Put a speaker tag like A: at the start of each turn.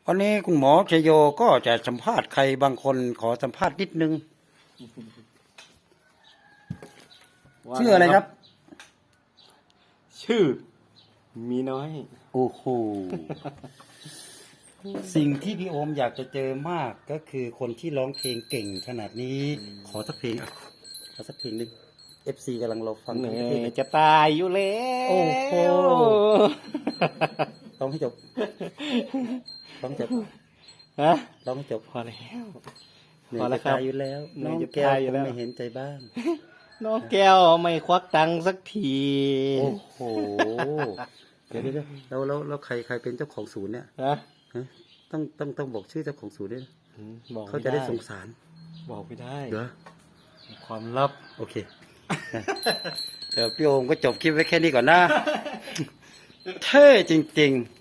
A: วันนี้คุณหมอชโยก็จะสัมภาษณ์ใครบางคนขอสัมภาษณ์นิดนึงชื่ออะไรครับ
B: ชื่อมีน้อย
A: โอ้โห สิ่งที่พี่โอมอยากจะเจอมากก็คือคนที่ร้องเพลงเก่งขนาดนี้ ขอสักเพลงอ่ะขอสักเพลงหนึ่ง FC กำลังรอฟัง
B: เหนื่
A: เพลง
B: อยจะตายอยู่แล้ว
A: โอ้โห ร้องให้จบร้องจบ
B: ฮะ
A: ร้องให้จบ
B: พอแล้ว
A: เหนื่
B: พ
A: อ
B: อย แล้
A: จะ
B: วครับ
A: ตายอยู่แล้ว
B: เหนื่
A: น้อ
B: อย
A: ง
B: จะ
A: แก้ว
B: ตายอยู่
A: ค
B: แล้
A: ง
B: ว
A: ไม่เห็นใจบ้าง
B: น้องแก้วไม่ควักตังค์สักที
A: โอ้โห เดี๋ยวแล้วใครเป็นเจ้าของศูนย์เนี่ย
B: ฮะ
A: ฮะต้องบอกชื่อเจ้าของศูนย์ด้วยนะ
B: บอก
A: เขา
B: ไม่
A: จะได้
B: ได้
A: สงสาร
B: บอกไม่ได้
A: เหรอ
B: ความลับ
A: โอเค เดี๋ยวพี่โอมก็จบคลิปไว้แค่นี้ก่อนนะ เท่จริงๆ